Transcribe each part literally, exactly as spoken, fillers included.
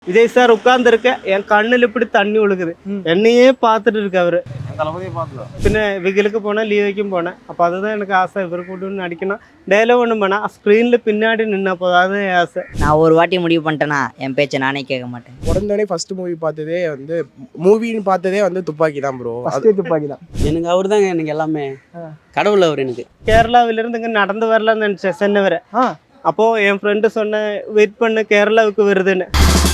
Vijay sir உட்கார்ந்துருக்க என் கண்ணில் இப்படி தண்ணி ஒழுகுது. என்னையே பார்த்துட்டு இருக்கு அவரு. பின்ன விகிலுக்கு போனேன், லீவைக்கும் போனேன். அப்போ அதுதான் எனக்கு ஆசை, இவர் கூட நடிக்கணும். டைலாக் ஒன்று பண்ணா ஸ்க்ரீனில் பின்னாடி நின்ன போதும், அதுதான் என் ஆசை. நான் ஒரு வாட்டி முடிவு பண்ணிட்டேன்னா என் பேச்சை நானே கேட்க மாட்டேன். உடனே ஃபர்ஸ்ட் மூவி பார்த்ததே வந்து மூவின்னு பார்த்ததே வந்து துப்பாக்கி தான் ப்ரோ. ஃபர்ஸ்ட் துப்பாக்கி தான். எனக்கு அவர் தாங்க எனக்கு எல்லாமே கடவுள் அவர். எனக்கு கேரளாவிலிருந்து இங்கே நடந்து வரலாம்னு நினச்சேன் சென்னை வரை. அப்போது என் ஃப்ரெண்டு சொன்ன வெயிட் பண்ணு கேரளாவுக்கு வருதுன்னு.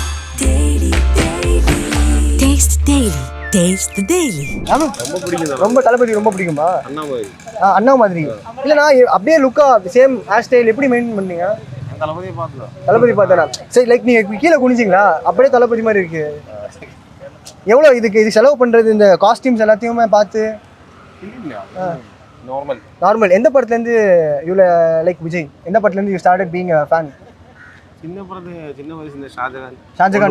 ரொம்ப தளபதி ரொம்ப பிடிக்குமா? அண்ணா மாதிரி இல்லைண்ணா, அப்படியே லுக்கா சேம் ஹேர் ஸ்டைல் எப்படி மெயின்டைன் பண்ணீங்க? தளபதி பார்த்தா சரி, லைக் நீங்க கீழே குனிஞ்சிங்களா? அப்படியே தளபதி மாதிரி இருக்கு. எவ்வளோ இதுக்கு இது செலவு பண்றது, இந்த காஸ்டியூம்ஸ் எல்லாத்தையுமே பார்த்து? Normal normal. எந்த படத்துலேருந்து இவ்வளோ லைக் விஜய்? எந்த படத்துலேருந்து you started being a fan? சின்ன படத்து சின்ன வயசு இந்த ஷாஜகான் ஷாஜகான்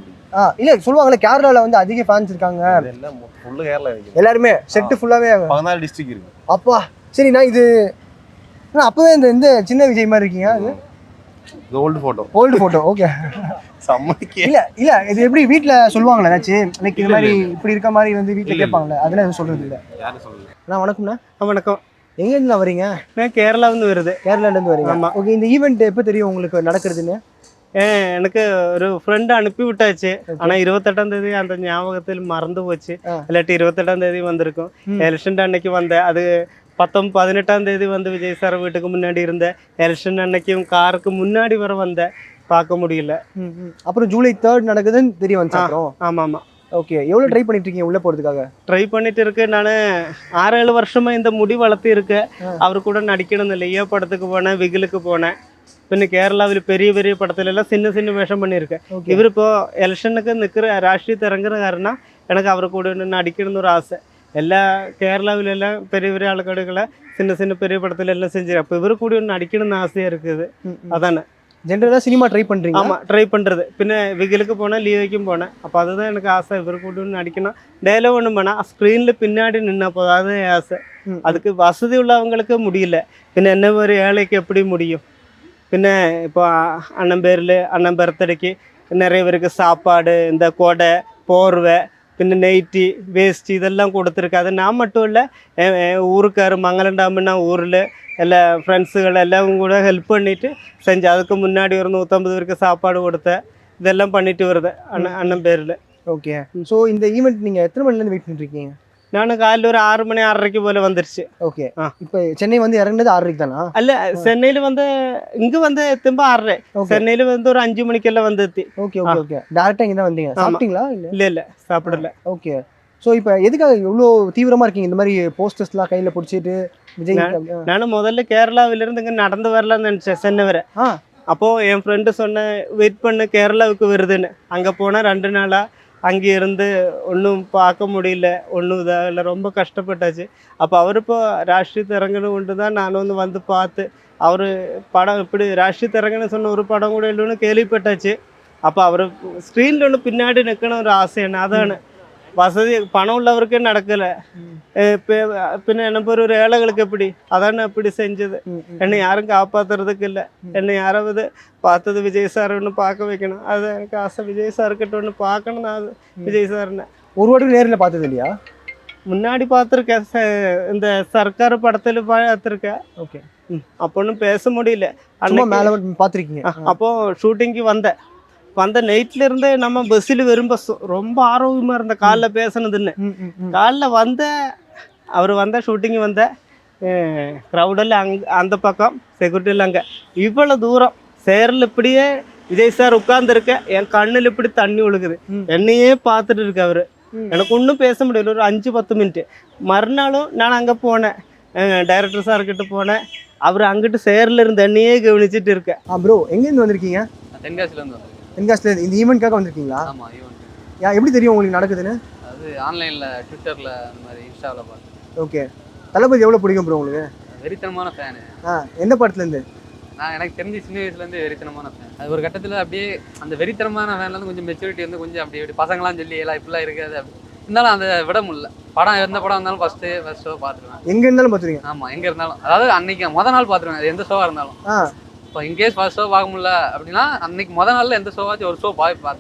ஆ இல்லை சொல்லுவாங்களே கேரளாவில் வந்து அதிக ஃபேன்ஸ் இருக்காங்க. எல்லாம் ஃபுல்லு கேரளா இருக்கு, எல்லாருமே செட்டு ஃபுல்லாகவே பதினாலு டிஸ்ட்ரிக்ட் இருக்கு. அப்பா சரிண்ணா, இது அப்போவே இந்த இந்த சின்ன விஜய் மாதிரி இருக்கீங்க. அது old photo. Old photo okay. சம்மதிக்கே இல்லை இல்லை, இது எப்படி வீட்டில் சொல்லுவாங்களே ஏதாச்சும் லைக் இது மாதிரி இப்படி இருக்க மாதிரி வந்து வீட்டில் கேட்பாங்களே, அதெல்லாம் எதுவும் சொல்கிறது இல்லை. யாரும் சொல்லல. அண்ணா வணக்கம்ண்ணா. வணக்கம். எங்கேருந்து வரீங்க? நான் கேரளாவிலேருந்து வருது. கேரளாலேருந்து வரீங்க? ஆமாம். ஓகே, இந்த ஈவெண்ட் எப்போ தெரியும் உங்களுக்கு நடக்கிறதுன்னு? ஏன் எனக்கு ஒரு ஃப்ரெண்டு அனுப்பி விட்டாச்சு. ஆனால் இருபத்தெட்டாம் தேதி அந்த ஞாபகத்தில் மறந்து போச்சு. இல்லாட்டி இருபத்தெட்டாம் தேதி வந்திருக்கும். எலெக்ஷன் அன்னைக்கு வந்தேன். அது பத்தொம் பதினெட்டாம் தேதி வந்து விஜய் சார் வீட்டுக்கு முன்னாடி இருந்தேன். எலெக்ஷன் அன்னைக்கும் காருக்கு முன்னாடி வர வந்தேன், பார்க்க முடியல. அப்புறம் ஜூலை தேர்ட் நடக்குதுன்னு தெரிய வந்துச்சு. ஆமாம் ஆமாம். ஓகே, எவ்வளோ ட்ரை பண்ணிட்டு இருக்கீங்க உள்ளே போகிறதுக்காக? ட்ரை பண்ணிட்டு இருக்கு. நான் ஆறு ஏழு வருஷமாக இந்த முடி வளர்த்து இருக்கேன். அவர் கூட நடிக்கணும் இல்லை. ஐயா படத்துக்கு போனேன், விகிலுக்கு போனேன். பின்ன கேரளாவில் பெரிய பெரிய படத்துல எல்லாம் சின்ன சின்ன வேஷம் பண்ணியிருக்கேன். இவர் இப்போ எலெக்ஷனுக்கு நிற்கிற ராஷ்ட்ரீயத்தை இறங்குற காரணம் எனக்கு அவரை கூட நடிக்கணும்னு ஒரு ஆசை. எல்லா கேரளாவிலெல்லாம் பெரிய பெரிய ஆளுக்கடுகளை சின்ன சின்ன பெரிய படத்துல எல்லாம் செஞ்சு, அப்போ இவர் கூட ஒன்று நடிக்கணும்னு ஆசையாக இருக்குது. அதானே ஜென்ரலாக சினிமா ட்ரை பண்ணுறீங்க? ஆமாம், ட்ரை பண்ணுறது. பின்ன விகிலுக்கு போனேன், லீவைக்கும் போனேன். அப்போ அதுதான் எனக்கு ஆசை, இவர் கூட நடிக்கணும். டைலாக் ஒன்று பண்ணா ஸ்க்ரீனில் பின்னாடி நின்ன போதும், அதுதான் என் ஆசை. அதுக்கு வசதி உள்ளவங்களுக்கு முடியல, பின்ன என்ன ஒரு ஏழைக்கு எப்படி முடியும்? பின்ன இப்போ அண்ணன் பேரில் அண்ணன் பர்த்டேக்கு நிறைய பேருக்கு சாப்பாடு, இந்த கொடை, போர்வை, பின்ன நைட்டி, வேஸ்ட்டு இதெல்லாம் கொடுத்துருக்கு. அது நான் மட்டும் இல்லை, ஊருக்கார் மங்களம் டாமுன்னா ஊரில் எல்லா ஃப்ரெண்ட்ஸுகள் எல்லாம் கூட ஹெல்ப் பண்ணிவிட்டு செஞ்சு, அதுக்கு முன்னாடி ஒரு நூற்றம்பது பேருக்கு சாப்பாடு கொடுத்தேன். இதெல்லாம் பண்ணிட்டு வருது அண்ணன் அண்ணன் பேரில். ஓகே, ஸோ இந்த ஈவெண்ட் நீங்கள் எத்தனை மணிலேருந்து வெயிட் பண்ணிருக்கீங்க? நான் காலையில் ஒரு ஆறு மணி ஆறரைக்கு போல வந்துருச்சு. ஓகே, இப்போ சென்னை வந்து இறங்குனது ஆறரைக்கு தானா? அல்ல, சென்னையில் வந்து இங்கே வந்து திரும்ப ஆறரை, சென்னையில் வந்து ஒரு அஞ்சு மணிக்கெல்லாம் வந்து எத்தி. ஓகே ஓகே ஓகே, டேரெக்டாக இங்கே தான் வந்தீங்க. சாப்பிட்டீங்களா? இல்லை இல்லை இல்லை சாப்பிடல. ஓகே, ஸோ இப்போ எதுக்காக இவ்வளோ தீவிரமாக இருக்கீங்க இந்த மாதிரி போஸ்டர்ஸ்லாம் கையில் பிடிச்சிட்டு? விஜய் நான் முதல்ல கேரளாவிலிருந்து இங்கே நடந்து வரலாம்னு நினச்சேன் சென்னை வரை. அப்போது என் ஃப்ரெண்டு சொன்ன வெயிட் பண்ணு கேரளாவுக்கு வருதுன்னு. அங்கே போனால் ரெண்டு நாளாக அங்கே இருந்து ஒன்றும் பார்க்க முடியல, ஒன்றும் இதாக இல்லை, ரொம்ப கஷ்டப்பட்டாச்சு. அப்போ அவர் இப்போ ராஷ்ட்ரீய இறங்கணும் கொண்டு தான் நான் வந்து வந்து பார்த்து, அவர் படம் இப்படி ராஷ்ட்ரீய இறங்கன்னு சொன்ன ஒரு படம் கூட இல்லைன்னு கேள்விப்பட்டாச்சு. அப்போ அவர் ஸ்க்ரீனில் ஒன்று பின்னாடி நிற்கணும் ஒரு ஆசை என்ன. அதான வசதி பணம் உள்ளவருக்கே நடக்கலை. பின்ன என்ன பேர் ஒரு ஏழைகளுக்கு எப்படி? அதானே அப்படி செஞ்சது. என்னை யாரும் காப்பாற்றுறதுக்கு இல்லை. என்னை யாராவது பார்த்தது விஜய் சார் ஒன்று பார்க்க வைக்கணும், அது எனக்கு ஆசை. விஜய் சார்கிட்ட ஒன்று பார்க்கணும். நான் அது விஜய் சார்னு ஒரு வாட்டி நேரில் பார்த்தது இல்லையா? முன்னாடி பார்த்துருக்கேன், இந்த சர்க்கார் படத்தில் பார்த்துருக்கேன். ஓகே, அப்போ ஒன்றும் பேச முடியல. அன்னைக்கு மேலே பார்த்துருக்கீங்க. அப்போது ஷூட்டிங்க்கு வந்தேன். வந்த நைட்ல இருந்தே நம்ம பஸ்ஸில் வரும்போது ரொம்ப ஆரோக்கியமாக இருந்த காலைல பேசினதுன்னு. காலைல வந்த அவர் வந்த ஷூட்டிங் வந்த க்ரௌடெல்லாம் அங்கே அந்த பக்கம் செக்யூரிட்டியில் அங்கே இவ்வளோ தூரம் சேரில் இப்படியே விஜய் சார் உட்கார்ந்துருக்க என் கண்ணில் இப்படி தண்ணி ஒழுகுது. என்னையே பார்த்துட்டு இருக்கு அவர். எனக்கு ஒன்றும் பேச முடியல. ஒரு அஞ்சு பத்து மினிட்டு மறுநாளும் நான் அங்கே போனேன், டைரக்டர் சார்கிட்ட போனேன். அவர் அங்கிட்டு சேரில் இருந்து என்னையே கவனிச்சுட்டு இருக்கேன். ஆ ப்ரோ, எங்கேருந்து வந்திருக்கீங்க? தென்காசிலேருந்து வந்து. தென்காசிலேருந்து இந்த ஈவெண்ட்காக வந்திருக்கீங்களா? ஆமாம், ஈவெண்ட். யா எப்படி தெரியும் உங்களுக்கு நடக்குதுன்னு? அது ஆன்லைனில், ட்விட்டரில், அந்த மாதிரி இன்ஸ்டாவில் பார்த்து. ஓகே, தளபதி எவ்வளோ பிடிக்கும் ப்ரோ உங்களுக்கு? வெறித்தனமான ஃபேனு. ஆ, எந்த படத்துலேருந்து? நான் எனக்கு தெரிஞ்சு சின்ன வயசுலேருந்து வெறித்தனமான ஃபேன். அது ஒரு கட்டத்தில் அப்படியே அந்த வெறித்தனமான ஃபேன்லேருந்து கொஞ்சம் மெச்சூரிட்டி வந்து கொஞ்சம் அப்படி அப்படி பசங்களாம் சொல்லி எல்லாம் இப்படிலாம் இருக்காது அப்படி இருந்தாலும் அதை விட முடியல. படம் எந்த படம் இருந்தாலும் ஃபஸ்ட்டு ஃபஸ்ட் ஷோ பார்த்துருவேன். எங்கே இருந்தாலும் பார்த்துருவீங்க? ஆமாம், எங்கே இருந்தாலும். அதாவது அன்னைக்கு மொதல் நாள் பார்த்துருவேன், அது எந்த ஷோவாக இருந்தாலும். இப்போ இன்கேஸ் ஃபர்ஸ்ட் ஷோ பார்க்க முடியல அப்படின்னா அன்னைக்கு மொதல் நாளில் எந்த ஷோவாச்சும் ஒரு ஷோ பார்த்து பார்த்துருவேன்.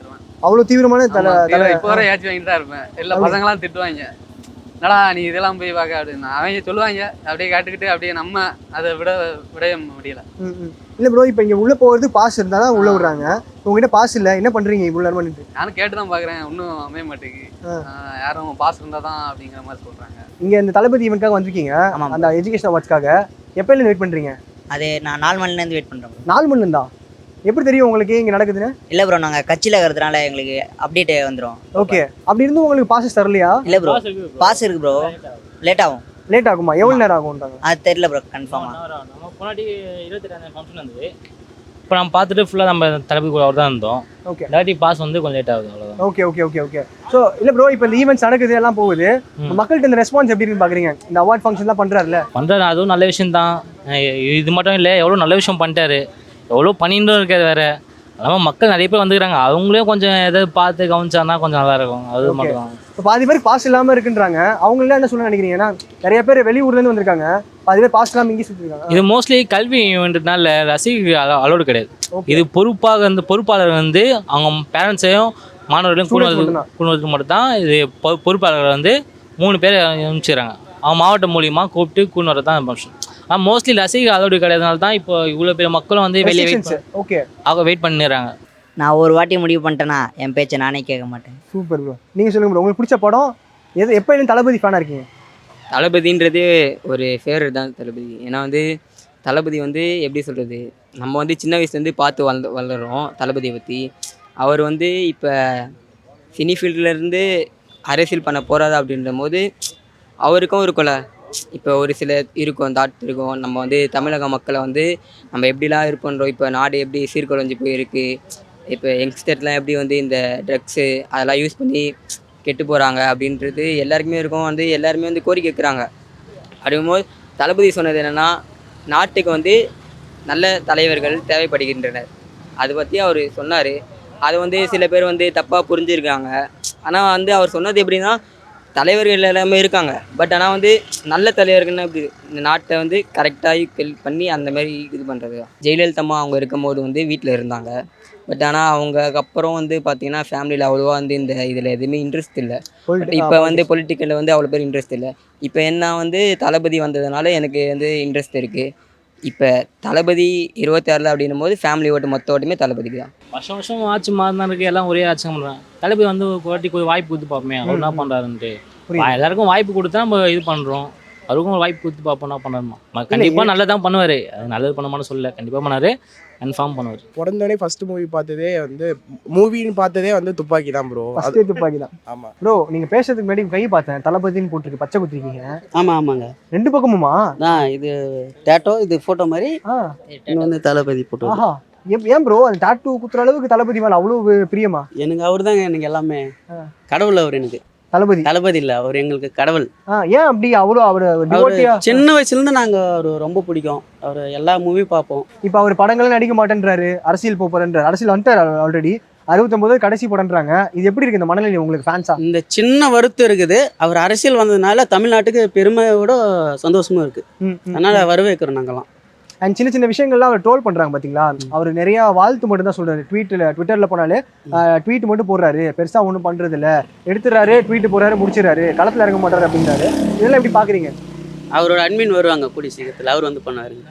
அவ்வளவு தீவிரமான தலை தலை இப்போ வர ஏச்சு வாங்கிட்டு தான் இருப்பேன். எல்லா பசங்களாம் திட்டுவாங்க, என்னடா நீ இதெல்லாம் போய் பார்க்க அப்படின்னு. அவங்க சொல்லுவாங்க, அப்படியே கேட்டுக்கிட்டு அப்படியே நம்ம அதை விட விடைய முடியல. ம், ம். இல்ல ப்ரோ, இப்போ இங்க உள்ள போகிறது பாஸ் இருந்தா தான் உள்ள விடுறாங்க. உங்ககிட்ட பாஸ் இல்ல, என்ன பண்றீங்க இவ்வளவு நேரம் பண்ணிட்டு? நானும் கேட்டு தான் பார்க்குறேன், ஒன்றும் அமைய மாட்டேங்குது. ஆஹ் யாரும் பாஸ் இருந்தால் தான் அப்படிங்கிற மாதிரி சொல்கிறாங்க. இங்க இந்த தளபதி ஈவெண்ட்காக வந்திருக்கீங்க, ஆமாம். அந்த எஜுகேஷன் அவார்ட்ஸ்க்காக. எப்பயில வெயிட் பண்றீங்க? அது நான் நாலு மணிலேருந்து வெயிட் பண்ணுறோம். நாலு மணி இருந்தா எப்படி தெரியும் உங்களுக்கு இங்க நடக்குதுன்னு? இல்லை ப்ரோ, நாங்கள் கட்சியில் இருக்கிறதுனால எங்களுக்கு அப்டேட் வந்துடும். ஓகே, அப்படி இருந்தும் உங்களுக்கு பாசஸ் தரலையா? இல்லை ப்ரோ, பாஸ் இருக்கு ப்ரோ, லேட் ஆகும். லேட் ஆகுமா? எவ்வளவு நேரம் ஆகும்ன்றாங்க? அது தெரியல ப்ரோ கன்ஃபார்மாக. நம்ம முன்னாடி இருபத்தெட்டாம் ஃபங்க்ஷன் இருந்தது. இப்போ நம்ம பார்த்துட்டு ஃபுல்லாக நம்ம தளபதி கூட தான் இருந்தோம். ஓகே, இல்லாட்டி பாஸ் வந்து கொஞ்சம் லேட் ஆகுது, அவ்வளோதான். Okay okay okay okay so இல்லை ப்ரோ, இப்போ இந்த ஈவெண்ட்ஸ் நடக்குது எல்லாம் போகுது, மக்கள்கிட்ட இந்த ரெஸ்பான்ஸ் எப்படி இருக்குன்னு பார்க்குறீங்க? இந்த அவார்ட் ஃபங்க்ஷன்லாம் பண்ணுறாருல, பண்ணுறது அதுவும் நல்ல விஷயம் தான். இது மட்டும் இல்லை, எவ்வளோ நல்ல விஷயம் பண்ணிட்டாரு, எவ்வளோ பண்ணிட்டு இருக்காது வேறு. அதனால் மக்கள் நிறைய பேர் வந்துக்கிறாங்க, அவங்களே கொஞ்சம் எதாவது பார்த்து கவனிச்சானா கொஞ்சம் நல்லா இருக்கும். அது மட்டும் தான். இப்போ பாதி பேருக்கு பாஸ் இல்லாமல் இருக்குன்றாங்க, அவங்களாம் என்ன சொல்ல நினைக்கிறீங்க? ஏன்னா நிறைய பேர் வெளியூர்லேருந்து வந்திருக்காங்க, பாதி பேர் பாஸ் இல்லாமல் இங்கே சுற்றிருக்காங்க. இது மோஸ்ட்லி கல்வி ஈவெண்ட்னால ரசிகர்கள் அலோடு கிடையாது. இது பொறுப்பாக வந்து பொறுப்பாளர் வந்து அவங்க பேரண்ட்ஸையும் மாணவர்களையும் கூடுவது கூடுவதுக்கு மட்டும் தான் இது பொ பொறுப்பாளர்கள் வந்து மூணு பேர் அனுப்பிச்சிடுறாங்க. அவங்க மாவட்டம் மூலியமாக கூப்பிட்டு கூண்டு வரது தான் ஃபங்க்ஷன். ஆனால் மோஸ்ட்லி ரசிகர்கள் அலோடு கிடையாதுனால தான் இப்போ இவ்வளோ பேர் மக்களும் வந்து வெளியே வெயிட் ஓகே அவங்க வெயிட் பண்ணிடுறாங்க. நான் ஒரு வாட்டி முடிவு பண்ணிட்டேன்னா என் பேச்சை நானே கேட்க மாட்டேன். Super bro. நீங்கள் சொல்லுங்கள் ப்ரோ, உங்களுக்கு பிடிச்ச படம் எது? எப்போ தளபதி ஃபேனாக இருக்கீங்க? தளபதின்றது ஒரு ஃபேவரட் தான் தளபதி. ஏன்னா வந்து தளபதி வந்து எப்படி சொல்கிறது, நம்ம வந்து சின்ன வயசுலேருந்து பார்த்து வளர்ந்து வளர்கிறோம் தளபதியை பற்றி. அவர் வந்து இப்போ சினி ஃபீல்ட்லேருந்து அரசியல் பண்ண போகிறாரு அப்படின்ற போது அவருக்கும் இருக்கும்ல, இப்போ ஒரு சில இருக்கும் தாட் இருக்கும், நம்ம வந்து தமிழக மக்களை வந்து நம்ம எப்படிலாம் இது பண்ணுறோம், இப்போ நாடு எப்படி சீர்குலைஞ்சு போயிருக்கு, இப்போ யங்ஸ்டர்லாம் எப்படி வந்து இந்த ட்ரக்ஸு அதெல்லாம் யூஸ் பண்ணி கெட்டு போகிறாங்க அப்படின்றது எல்லாருக்குமே இருக்கும். வந்து எல்லாருமே வந்து கோரிக்கை வைக்கிறாங்க. அப்படிங்கும்போது தளபதி சொன்னது என்னென்னா, நாட்டுக்கு வந்து நல்ல தலைவர்கள் தேவைப்படுகின்றனர். அதை பற்றி அவர் சொன்னார். அது வந்து சில பேர் வந்து தப்பாக புரிஞ்சுருக்காங்க. ஆனால் வந்து அவர் சொன்னது எப்படின்னா, தலைவர்கள் எல்லாமே இருக்காங்க, பட் ஆனால் வந்து நல்ல தலைவர்கள்னு இப்படி இந்த நாட்டை வந்து கரெக்டாக ஹெல்ப் பண்ணி அந்த மாதிரி இது பண்ணுறது தான். ஜெயலலிதா அம்மா அவங்க இருக்கும்போது வந்து வீட்டில் இருந்தாங்க, பட் ஆனால் அவங்க அப்புறம் வந்து பார்த்திங்கன்னா ஃபேமிலியில் அவ்வளோவா வந்து இந்த இதில் எதுவுமே இன்ட்ரெஸ்ட் இல்லை. பட் இப்போ வந்து பொலிட்டிக்கலில் வந்து அவ்வளோ பேர் இன்ட்ரெஸ்ட் இல்லை. இப்போ என்ன வந்து தளபதி வந்ததுனால எனக்கு வந்து இன்ட்ரெஸ்ட் இருக்குது. இப்போ தளபதி இருபத்தி ஆறில் அப்படின்னும் போது ஃபேமிலி ஓட்டு மொத்த ஓட்டுமே தளபதிக்கு தான். வருஷம் வருஷம் ஆட்சி மாறினா இருக்கு, எல்லாம் ஒரே ஆட்சி பண்ணுறாங்க. தளபதி வந்து ஒரு வாட்டி கொஞ்சம் வாய்ப்பு கொடுத்து பார்ப்போமே, அவர் என்ன பண்ணுறாருன்ட்டு. எல்லாருக்கும் வாய்ப்பு கொடுத்தா நம்ம இது பண்ணுறோம், அவருக்கும் ஒரு வாய்ப்பு கொடுத்து பார்ப்போம் என்ன பண்ணணுமா. கண்டிப்பாக நல்லதான் பண்ணுவார், அது நல்லது பண்ண மாட்டேன்னு சொல்லலை, கண்டிப்பாக பண்ணார், கன்ஃபார்ம் பண்ணுவார். பிறந்தோடனே ஃபர்ஸ்ட் மூவி பார்த்ததே வந்து மூவின்னு பார்த்ததே வந்து துப்பாக்கி தான் ப்ரோ. ஃபர்ஸ்டே துப்பாக்கி தான். ஆமாம் ப்ரோ, நீங்கள் பேசுறதுக்கு முன்னாடி கை பார்த்தேன், தளபதின்னு போட்டிருக்கு, பச்சை குத்திருக்கீங்க. ஆமாம் ஆமாங்க, ரெண்டு பக்கமுமா? நான் இது டேட்டோ, இது ஃபோட்டோ மாதிரி, ஆ, இங்கே வந்து தளபதி போட்டோ. ஆஹா, ஏன் ஏன் ப்ரோ அந்த டாட்டூ குத்துற அளவுக்கு தளபதி மேலே அவ்வளோ பிரியமா? எனக்கு அவர் தாங்க எனக்கு எல்லாமே, கடவுள் அவர் எனக்கு. தளபதி தளபதி இல்லை, அவர் எங்களுக்கு கடவுள். ஆ, ஏன் அப்படி அவ்வளோ அவர் அவர் டிவோட்டியா? சின்ன வயசுலேருந்து நாங்கள் அவர் ரொம்ப பிடிக்கும், அவர் எல்லா மூவி பார்ப்போம். இப்போ அவர் படங்களும் நடிக்க மாட்டேன்றாரு, அரசியல் போறேன்றாரு. அரசியல் வந்துட்டார் ஆல்ரெடி, அறுபத்தொம்பது கடைசி படம்ன்றாங்க. இது எப்படி இருக்கு இந்த மனநிலை உங்களுக்கு ஃபேன்ஸா? இந்த சின்ன வருத்தம் இருக்குது, அவர் அரசியல் வந்ததுனால தமிழ்நாட்டுக்கு பெருமையோட சந்தோஷமும் இருக்குது. ம், ம். அதனால் வரவேற்கிறோம் நாங்கள்லாம். அண்ட் சின்ன சின்ன விஷயங்கள்லாம் அவர் ட்ரோல் பண்றாங்க பாத்தீங்களா? அவர் நிறைய வாழ்த்து மட்டும் தான் சொல்றாரு. ட்வீட்ல ட்விட்டர்ல போனாலே ட்வீட் மட்டும் போடுறாரு, பெருசா ஒன்றும் பண்றது இல்ல, எடுத்துறாரு ட்வீட் போடுறாரு முடிச்சிடறாரு, களத்துல இறங்க மாட்டாரு அப்படின்றாரு. இதெல்லாம் எப்படி பாக்குறீங்க? அவரோட அட்மின் வருவாங்க கூடிய சீக்கிரத்தில், அவர் வந்து பண்ணுவாருங்க.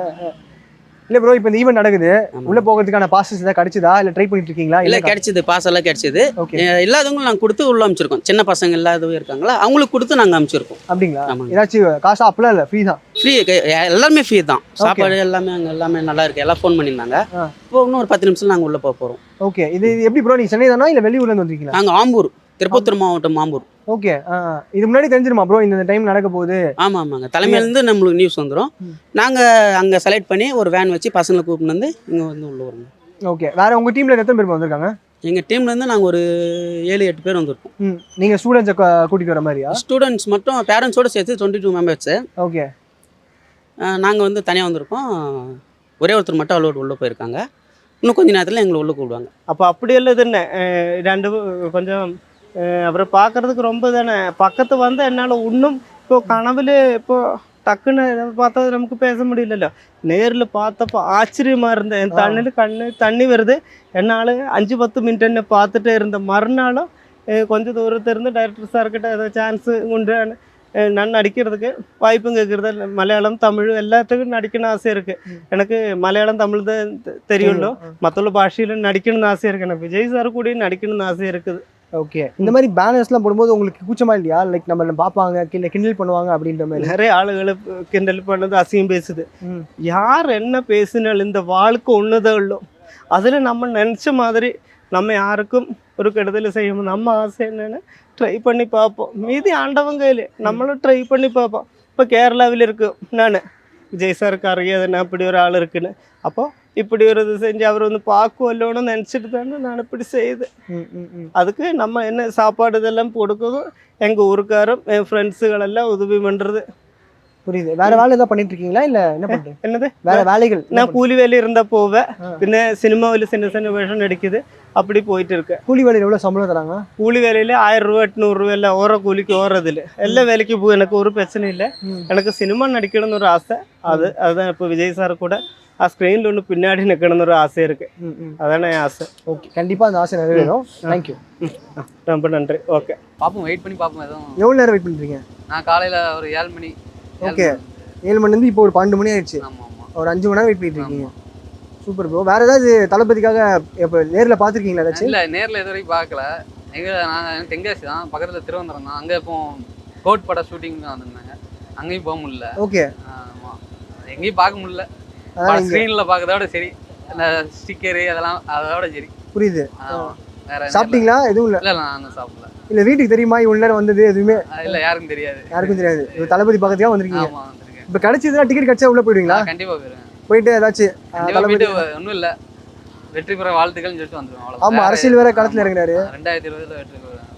இல்ல ப்ரோ, இப்போ இந்த ஈவென்ட் நடக்குது, உள்ள போகிறதுக்கான பாசஸ் ஏதாவது கிடைச்சதா, இல்ல ட்ரை பண்ணிட்டு இருக்கீங்களா? இல்லை கிடைச்சது, பாஸ் எல்லாம் கிடைச்சது. ஓகே, இல்லாதவங்களும் நாங்கள் கொடுத்து உள்ள அமைச்சிருக்கோம். சின்ன பசங்க இல்லாதவங்க இருக்காங்களா, அவங்களுக்கு கொடுத்து நாங்கள் அமைச்சிருக்கோம். அப்படிங்களா? ஆமாங்க. ஏதாச்சும் காசா? அப்பெல்லாம் இல்லை, ஃப்ரீ தான். ஃப்ரீ, எல்லாமே ஃப்ரீ தான். சாப்பாடு எல்லாமே அங்கே எல்லாமே நல்லா இருக்கு, எல்லாம் ஃபோன் பண்ணியிருந்தாங்க. இப்போ இன்னும் ஒரு பத்து நிமிஷம் நாங்கள் உள்ளே போக போகிறோம். ஓகே, இது இது எப்படி ப்ரோ, நீங்க சென்னை தானா இல்லை வெளியூர்ல இருந்து வந்திருக்கீங்களா? நாங்கள் ஆம்பூர், திருப்பத்தூர் மாவட்டம் ஆம்பூர். ஓகே, இது முன்னாடி தெரிஞ்சிருமா ப்ரோ இந்த டைம் நடக்க போகுது? ஆமாம் ஆமாங்க, தலைமையிலேருந்து நம்மளுக்கு நியூஸ் வந்துடும். நாங்கள் அங்கே செலக்ட் பண்ணி ஒரு வேன் வச்சு பசங்களை கூப்பிட்டு வந்து இங்கே வந்து உள்ளே வருவோம். ஓகே, வேற உங்க டீம்ல எத்தனை பேர் வந்திருக்காங்க? எங்கள் டீம்லேருந்து நாங்கள் ஒரு ஏழு எட்டு பேர் வந்திருக்கோம். ம், நீங்க ஸ்டூடெண்ட்ஸை கூட்டிட்டு வர மாதிரியா? ஸ்டூடெண்ட்ஸ் மட்டும் பேரண்ட்ஸோடு சேர்த்து டுவெண்ட்டி டூ மெம்பர்ஸு. ஓகே, நாங்கள் வந்து தனியாக வந்திருக்கோம். ஒரே ஒருத்தர் மட்டும் அலோடு உள்ளே போயிருக்காங்க. இன்னும் கொஞ்ச நேரத்தில் எங்களை உள்ளே கூப்பிடுவாங்க. அப்போ அப்படி இல்லதுன்னு ரெண்டு கொஞ்சம் அப்புறம் பார்க்கறதுக்கு ரொம்ப தானே பக்கத்து வந்து என்னால் இன்னும் இப்போ கனவுல இப்போ டக்குன்னு பார்த்தா நமக்கு பேச முடியலല്ലോ. நேரில் பார்த்தப்போ ஆச்சரியமாக இருந்தேன். என் தண்ணியில் கண்ணு தண்ணி வருது. என்னால் அஞ்சு பத்து மினிட் என்ன பார்த்துட்டே இருந்தேன். மறுநாளும் கொஞ்சம் தூரத்திலிருந்து டைரக்டர் சார்கிட்ட ஏதோ சான்ஸு உண்டு நான் நடிக்கிறதுக்கு வாய்ப்பும் கேட்குறது. மலையாளம் தமிழ் எல்லாத்துக்கும் நடிக்கணும்னு ஆசை இருக்குது எனக்கு. மலையாளம் தமிழ் தான் தெரியும்லோ, மற்ற பாஷையில் நடிக்கணும்னு ஆசை இருக்குது. எனக்கு விஜய் சார் கூட நடிக்கணும்னு ஆசை இருக்குது. ஓகே, இந்த மாதிரி பேனர்ஸ்லாம் போடும்போது உங்களுக்கு கூச்சமா இல்லையா? லைக் நம்ம பார்ப்பாங்க, கீழே கிண்டல் பண்ணுவாங்க அப்படின்ற மாதிரி. நிறைய ஆளுகளை கிண்டல் பண்ணது, அசிங்கம் பேசுது. யார் என்ன பேசினாலும் இந்த வாழ்க்கை ஒன்றுதான் உள்ளோ. அதில் நம்ம நினச்ச மாதிரி நம்ம யாருக்கும் ஒரு கெடுதல் செய்யணும். நம்ம ஆசை என்னென்னு ட்ரை பண்ணி பார்ப்போம். மீதி ஆண்டவங்க கையில் நம்மளும் ட்ரை பண்ணி பார்ப்போம். இப்போ கேரளாவில் இருக்கு நான் விஜய் சாருக்கு அறியாதுன்னா அப்படி ஒரு ஆள் இருக்குன்னு. அப்போ இப்படி ஒரு இது செஞ்சு அவர் வந்து பார்க்குவல்லோன்னு நினச்சிட்டு தானே நான் இப்படி செய்யுது. அதுக்கு நம்ம என்ன சாப்பாடு இதெல்லாம் கொடுக்குறதும் எங்கள் ஊருக்காரும் என் ஃப்ரெண்ட்ஸுகளெல்லாம் உதவி பண்ணுறது. புரியுது. வேற வேலை ஏதாவது பண்ணிட்டு இருக்கீங்களா இல்லை என்ன பண்ணுறது? என்னது வேற வேலைகள்? நான் கூலி வேலை இருந்தால் போவேன். பின்ன சினிமாவில் சின்ன சின்ன வேஷம் நடிக்குது, அப்படி போயிட்டு இருக்கேன். கூலி வேலையில் எவ்வளோ சம்பளம் தராங்க? கூலி வேலையில் ஆயிரம் ரூபா எட்நூறுரூவா இல்லை ஓர கூலிக்கு ஓரதில்லை. எல்லா வேலைக்கு போய் எனக்கு ஒரு பிரச்சனை இல்லை. எனக்கு சினிமா நடிக்கணும்னு ஒரு ஆசை. அது அதுதான் இப்போ விஜய் சார் கூட ஆ ஸ்க்ரீனில் ஒன்று பின்னாடி நிற்கணும்னு ஒரு ஆசை இருக்குது. அதானே என் ஆசை. ஓகே, கண்டிப்பாக அந்த ஆசை நிறைவேறும். தேங்க்யூ, ரொம்ப நன்றி. ஓகே, பார்ப்போம், வெயிட் பண்ணி பார்ப்போம். எதுவும் எவ்வளோ நேரம் வெயிட் பண்ணுறீங்க? நான் காலையில் ஒரு ஏழு மணி. ஓகே, ஏழு மணிலேருந்து இப்போ ஒரு பன்னெண்டு மணி ஆயிடுச்சு. ஆமாம் ஆமாம், ஒரு அஞ்சு மணி நேரம் வெயிட் பண்ணிட்டு இருக்கீங்க. Super bro. வேறு ஏதாவது தளபதிக்காக இப்போ நேரில் பார்த்துருக்கீங்களா ஏதாச்சும்? இல்லை, நேரில் இது வரைக்கும் பார்க்கல. எங்கே நான் தென்காசி தான், பக்கத்தில் திருவனந்தபுரம் தான். அங்கே இப்போ கோட் பட ஷூட்டிங் தான் வந்திருந்தாங்க. அங்கேயும் போக முடியல. ஓகே, ஆமாம், எங்கேயும் பார்க்க முடியல. ஸ்க்ரீனில் பார்க்கறதோட சரி, அந்த ஸ்டிக்கரு அதெல்லாம் அதோட சரி. புரியுது. வேற சாப்பிட்டீங்களா? எதுவும் இல்லை? இல்லை, நான் இன்னும் சாப்பிடல. இல்லை, வீட்டுக்கு தெரியுமா இவ்வளோ நேரம் வந்தது? எதுவுமே இல்லை, யாருக்கும் தெரியாது. யாருக்கும் தெரியாது. இப்போ தளபதி பக்கத்துக்காக வந்திருக்கீங்க. ஆமாம், வந்திருக்கேன். இப்போ கிடைச்சதுன்னா டிக்கெட் கிடைச்சா உள்ளே போயிடுவீங்களா? கண்டிப்பாக போயிடுவேன். போயிட்டு ஏதாச்சும் தளபதி ஒன்றும் இல்லை, வெற்றி பெற வாழ்த்துக்கள்னு சொல்லிட்டு வந்துடுவேன். அவ்வளோ. ஆமாம், அரசியல் வேற களத்தில் இறங்குறாரு. ரெண்டாயிரத்தி இருபதுல வெற்றி பெறுவேன்.